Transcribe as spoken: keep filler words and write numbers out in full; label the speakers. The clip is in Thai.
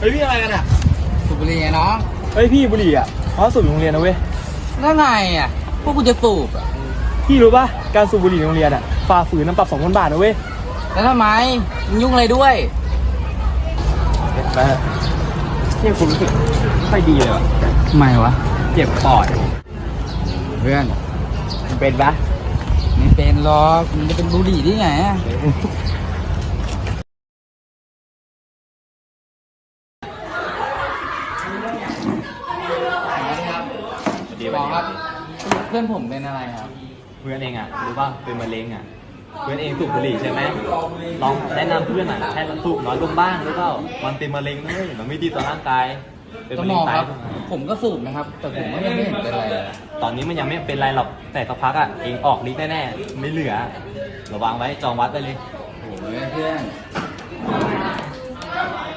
Speaker 1: เฮ้ยพี่อะไรกันอ่ะ
Speaker 2: สูบบุหรี่ไงน้อง
Speaker 1: เฮ้ยพี่บุหรี่อ่ะเขาสูบอยู่โรงเรียนนะเว้ย
Speaker 2: แล้วไงอ่ะพวกกูจะสูบอ่ะ
Speaker 1: พี่รู้ป่ะการสูบบุหรี่ในโรงเรียนอ่ะฝ่าฝืนน้ำปรับสองพันบาทนะเว้ย
Speaker 2: แล้วทำไมมึงยุ่งอะไรด้วย
Speaker 1: ไปเนี่ยคุณรู้สึกไม่ค่อยดีเลยว่ะ
Speaker 2: ทำไมวะ
Speaker 1: เจ็บปอด
Speaker 2: เพื่อน
Speaker 1: มันเป็นปะ
Speaker 2: ไม่เป็นหรอกมันจะเป็นบุหรี่ได้ไงอ่ะบอกครับเพื่อนผมเป็นอะไรครับ
Speaker 1: เพื่อนเองอ่ะรู้ป่ะเป็นมะเร็งอ่ะเพื่อนเองสูบบุหรี่ใช่ไหมลองแนะนำเพื่อนอ่ะให้สูบน้อยลงบ้างหรือเปล่ามันเป็นมะเร็งนะมันไม่ดีต่อร่างกาย
Speaker 2: เป็นมะเร็งไตผมก็สูบนะครับแต่ผมก็ยังไม่เห็นเป็นอะไร
Speaker 1: ตอนนี้มันยังไม่เป็นไรหรอกแต่สักพักอ่ะเองออกฤทธิ์แน่ๆไม่เหลือระวังไว้จองวัดไปเลย
Speaker 2: โอ้ยเพื่อน